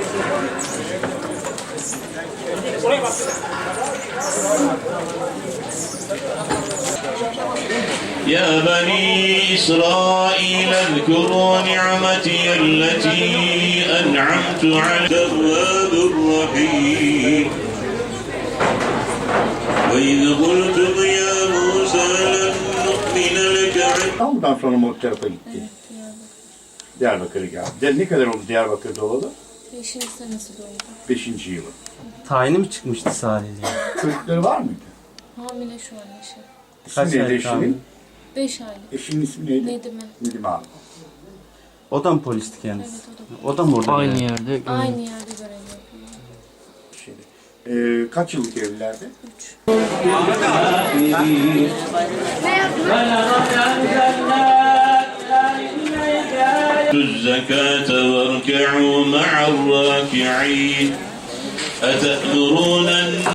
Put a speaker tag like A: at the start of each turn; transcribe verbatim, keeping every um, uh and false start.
A: يا بني إسرائيل اذكروا نعمتي التي أنعمت على التواب الرحيم وإذ قلتم يا موسى لن نؤمن لك.
B: İstanbul'dan sonra mı o tarafa gitti?
C: Evet,
B: Diyarbakır'a geldi. Ne kadar oldu Diyarbakır'da olalı?
C: beşinci senesi doğdu.
B: Beşinci yılı.
D: Tayini mi çıkmıştı Salihli'ye?
B: Çocukları var mıydı?
C: Hamile şu an eşi.
B: İsmi
D: Kaç
B: neydi
D: aylık hamile?
B: eşinin?
C: Beş aylık.
B: Eşinin ismi neydi?
C: Nedim'e.
B: Nedim abi.
D: O da mı polisti kendisi?
C: Evet,
D: O da mı orada?
E: Aynı
D: yani?
E: yerde. görev.
C: Aynı yerde görev yapıyor.
B: Şeyde. Ee, kaç yıllık evlilerdi?
C: Üç.
A: الزكاة واركعوا مع الراكعين أتأمرون